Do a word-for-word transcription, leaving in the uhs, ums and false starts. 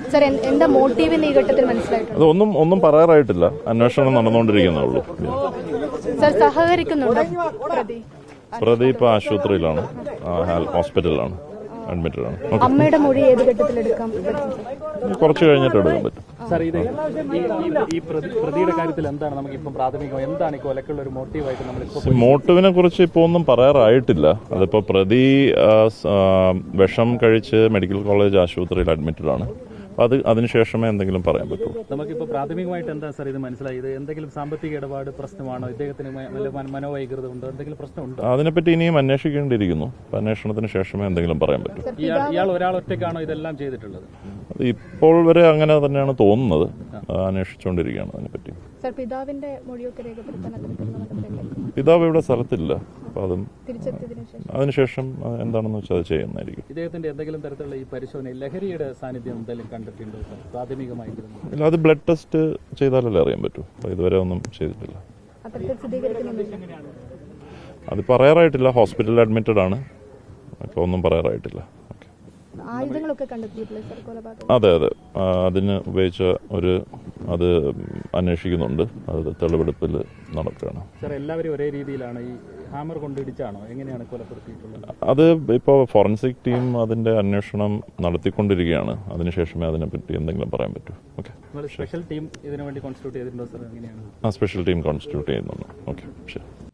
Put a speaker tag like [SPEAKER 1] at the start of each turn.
[SPEAKER 1] Sir എന്താ motive ഈ ഘട്ടത്തിൽ മനസ്സിലായിട്ടുണ്ട്?
[SPEAKER 2] അതൊന്നും ഒന്നും പറയാറായിട്ടില്ല, അന്വേഷണം നടന്നുകൊണ്ടിരിക്കുന്നേ ഉള്ളൂ.
[SPEAKER 1] സർ സഹകരിക്കുന്നുണ്ടോ പ്രതി?
[SPEAKER 2] പ്രതി ഇപ്പോൾ ആശുപത്രിയിലാണ്, ഹോസ്പിറ്റലിലാണ്, അഡ്മിറ്റഡ് ആണ്.
[SPEAKER 1] അമ്മയുടെ മൊഴി ഏത് ഘട്ടത്തിൽ എടുക്കാം?
[SPEAKER 2] കുറച്ച് കഴിഞ്ഞിട്ട് എടുക്കാൻ പറ്റും.
[SPEAKER 3] സാർ, ഇത് ഈ പ്രതിയുടെ കാര്യത്തിൽ എന്താണ് നമുക്ക് ഇപ്പം പ്രാഥമികം എന്താണ് ഈ കൊലക്കുള്ള ഒരു മോട്ടീവായിട്ട് നമ്മൾ
[SPEAKER 2] മോട്ടീവിനെ കുറിച്ച് ഇപ്പോൾ ഒന്നും പറയാറായിട്ടില്ല. അതിപ്പോൾ പ്രതി വിഷം കഴിച്ച് മെഡിക്കൽ കോളേജ് ആശുപത്രിയിൽ അഡ്മിറ്റഡ് ആണ്. അത് അതിനുശേഷമേ എന്തെങ്കിലും പറയാൻ പറ്റൂ.
[SPEAKER 3] നമുക്കിപ്പോൾ പ്രാഥമികമായിട്ട് എന്താ സാർ ഇത് മനസ്സിലായി? ഇത് എന്തെങ്കിലും സാമ്പത്തിക ഇടപാട് പ്രശ്നമാണോ? ഇദ്ദേഹത്തിന് മനോവൈകൃത ഉണ്ടോ? എന്തെങ്കിലും പ്രശ്നമുണ്ടോ?
[SPEAKER 2] അതിനെപ്പറ്റി ഇനിയും അന്വേഷിക്കേണ്ടിയിരിക്കുന്നു. അന്വേഷണത്തിന് ശേഷമേ എന്തെങ്കിലും പറയാൻ പറ്റൂ.
[SPEAKER 3] ഇയാൾ ഒരാൾ ഒറ്റയ്ക്കാണോ ഇതെല്ലാം ചെയ്തിട്ടുള്ളത്?
[SPEAKER 2] ഇപ്പോൾ വരെ അങ്ങനെ തന്നെയാണ് തോന്നുന്നത്. അന്വേഷിച്ചുകൊണ്ടിരിക്കുകയാണ് അതിനെപ്പറ്റി.
[SPEAKER 1] പിതാവിന്റെ മൊഴിയൊക്കെ രേഖപ്പെടുത്താൻ
[SPEAKER 2] പിതാവ് ഇവിടെ സ്ഥലത്തില്ല. അപ്പോൾ അതും അതിനുശേഷം എന്താണെന്ന് വെച്ചാൽ അത് ചെയ്യുന്നതായിരിക്കും.
[SPEAKER 3] ഇദ്ദേഹത്തിന്റെ എന്തെങ്കിലും തരത്തിലുള്ള ഈ പരിശോധന ലഹരിയുടെ സാന്നിധ്യം എന്തെങ്കിലും കണ്ടിട്ടുണ്ടോ പ്രാഥമികമായിട്ട്?
[SPEAKER 2] ഇല്ല, അത് ബ്ലഡ് ടെസ്റ്റ് ചെയ്താലല്ലേ അറിയാൻ പറ്റൂ. അപ്പോൾ ഇതുവരെ ഒന്നും ചെയ്തിട്ടില്ല. അത് പറയാറായിട്ടില്ല. ഹോസ്പിറ്റലിൽ അഡ്മിറ്റഡ് ആണ്. അപ്പോൾ ഒന്നും പറയാറായിട്ടില്ല. അതെ അതെ അതിന് ഉപയോഗിച്ച ഒരു അത് അന്വേഷിക്കുന്നുണ്ട്. അത് തെളിവെടുപ്പിൽ നടക്കുകയാണ്.
[SPEAKER 3] സാർ, എല്ലാവരും ഒരേ രീതിയിലാണ് ഈ ഹാമർ കൊണ്ടിടിച്ചാണോ എങ്ങനെയാണ് കൊലപ്പെടുത്തിയിട്ടുള്ളത്?
[SPEAKER 2] അത് ഇപ്പോൾ ഫോറൻസിക് ടീം അതിന്റെ അന്വേഷണം നടത്തിക്കൊണ്ടിരിക്കുകയാണ്. അതിനുശേഷമേ അതിനെപ്പറ്റി എന്തെങ്കിലും പറയാൻ പറ്റൂ. ഓക്കെ.
[SPEAKER 3] സ്പെഷ്യൽ ടീം ഇതിനു വേണ്ടി കോൺസ്റ്റിറ്റ്യൂട്ട് ചെയ്തിട്ടുണ്ടോ സാർ? എങ്ങനെയാണ്?
[SPEAKER 2] ആ സ്പെഷ്യൽ ടീം കോൺസ്റ്റിറ്റ്യൂട്ട് ചെയ്യുന്നുണ്ട്. ഓക്കെ, ശരി.